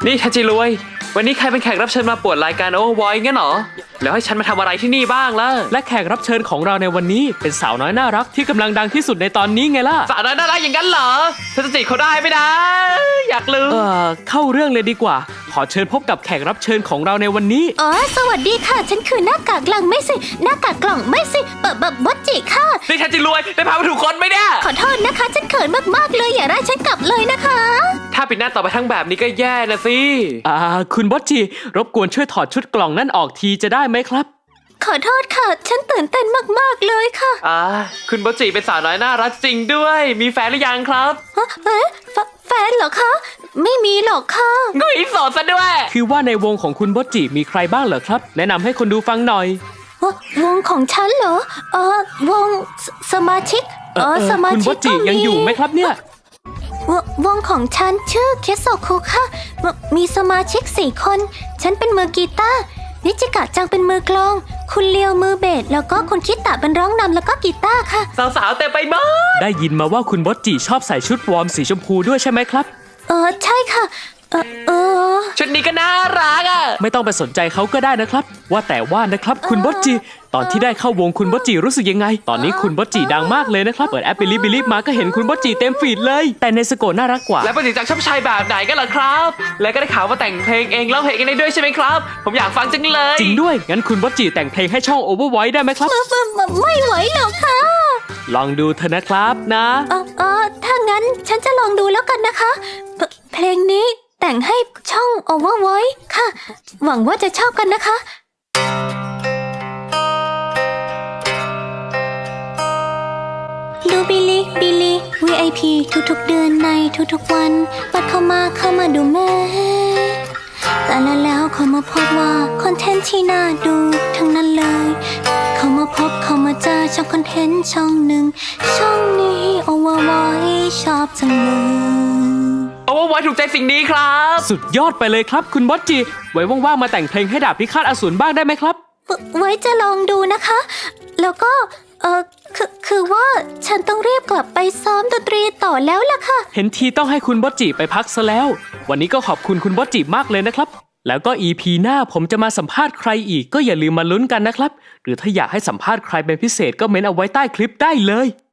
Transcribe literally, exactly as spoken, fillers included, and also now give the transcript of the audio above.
นี่ทัจิรวยวันนี้ใครเป็นแขกรับเชิญมาปวดรายการโอเวอร์วอยงั้นเหรอแล้วให้ฉันมาทำอะไรที่นี่บ้างล่ะและแขกรับเชิญของเราในวันนี้เป็นสาวน้อยน่ารักที่กำลังดังที่สุดในตอนนี้ไงล่ะสาวน้อยน่ารักอย่างนั้นเหรอฉันจะจีบเขาได้ไหมนะอยากรู้เออเข้าเรื่องเลยดีกว่าขอเชิญพบกับแขกรับเชิญของเราในวันนี้อ๋อสวัสดีค่ะฉันคือหน้ากากกล่องไม่สิหน้ากากกล่องไม่สิเปิดแบบบดจิค่ะนี่ทัจิรวยได้พามาถูกคนไหมเนี่ยขอโทษนะคะฉันเขินมากๆเลยอย่าไล่ฉันกลับเลยนะคะถ้าปิดหน้าต่อไปทั้งแบบนี้ก็แย่นะสิอ่าคุณบอสจีรบกวนช่วยถอดชุดกล่องนั่นออกทีจะได้ไหมครับขอโทษค่ะฉันตื่นเต้นมากๆเลยค่ะอ่าคุณบอสจีเป็นสาวน้อยน่ารักจริงด้วยมีแฟนหรือยังครับเอ๊ะแฟนเหรอคะไม่มีหรอกค่ะกุยโสดซะด้วยคือว่าในวงของคุณบอสจีมีใครบ้างเหรอครับแนะนำให้คนดูฟังหน่อยวงของฉันเหรอเออวงสมาชิกเออสมาชิกคุณบอสจียังอยู่ไหมครับเนี่ยววงของฉันชื่อเคโซคุค่ะมีสมาชิกสี่คนฉันเป็นมือกีตาร์นิจิกะจังเป็นมือกลองคุณเลียวมือเบสแล้วก็คุณคิตะเป็นร้องนำแล้วก็กีตาร์ค่ะสาวๆเต็มไปหมดได้ยินมาว่าคุณบอสจีชอบใส่ชุดวอร์มสีชมพูด้วยใช่ไหมครับเออใช่ค่ะเออเออชุดนี้ก็น่ารักอ่ะไม่ต้องไปสนใจเขาก็ได้นะครับว่าแต่ว่านะครับคุณบอสจีตอนที่ได้เข้าวงคุณบอสจีรู้สึกยังไงตอนนี้คุณบอสจีดังมากเลยนะครับเปิดแอปบิลิบิลิมาก็เห็นคุณบอสจีเต็มฟีดเลยแต่ในสโกน่ารักกว่าแล้วบอสจีจากชอบชายแบบไหนกันล่ะครับและก็ได้ข่าวว่าแต่งเพลงเองร้องเพลงเองได้ด้วยใช่ไหมครับผมอยากฟังจังเลยจริงด้วยงั้นคุณบอสจีแต่งเพลงให้ช่อง Overvoice ได้ไหมครับไม่ไหวหรอกค่ะลองดูเถอะนะครับนะเออเออถ้างั้นฉันจะลองดูแล้วกันนะคะเพลงนี้แต่งให้ช่อง Overvoice ค่ะหวังว่าจะชอบกันนะคะดูบิลิบิลิ วี ไอ พี ทุกๆเดือนในทุกๆวันบัดเข้ามาเข้ามาดูแม่แต่แล้วแล้วเขามาพบว่าคอนเทนต์ที่น่าดูทั้งนั้นเลยเขามาพบเขามาเจอช่องคอนเทนต์ช่องหนึ่งช่องนี้ Overvoice ชอบจังเลยโอ้ว่าถูกใจสิ่งนี้ครับสุดยอดไปเลยครับคุณบอสจีไว้ว่างๆมาแต่งเพลงให้ดาบพิฆาตอสูรบ้างได้ไหมครับไว้จะลองดูนะคะแล้วก็เออคือคือว่าฉันต้องรีบกลับไปซ้อมดนตรีต่อแล้วล่ะค่ะเห็นทีต้องให้คุณบอสจีไปพักซะแล้ววันนี้ก็ขอบคุณคุณบอสจีมากเลยนะครับแล้วก็ อี พี หน้าผมจะมาสัมภาษณ์ใครอีกก็อย่าลืมมาลุ้นกันนะครับหรือถ้าอยากให้สัมภาษณ์ใครเป็นพิเศษก็เม้นเอาไว้ใต้คลิปได้เลย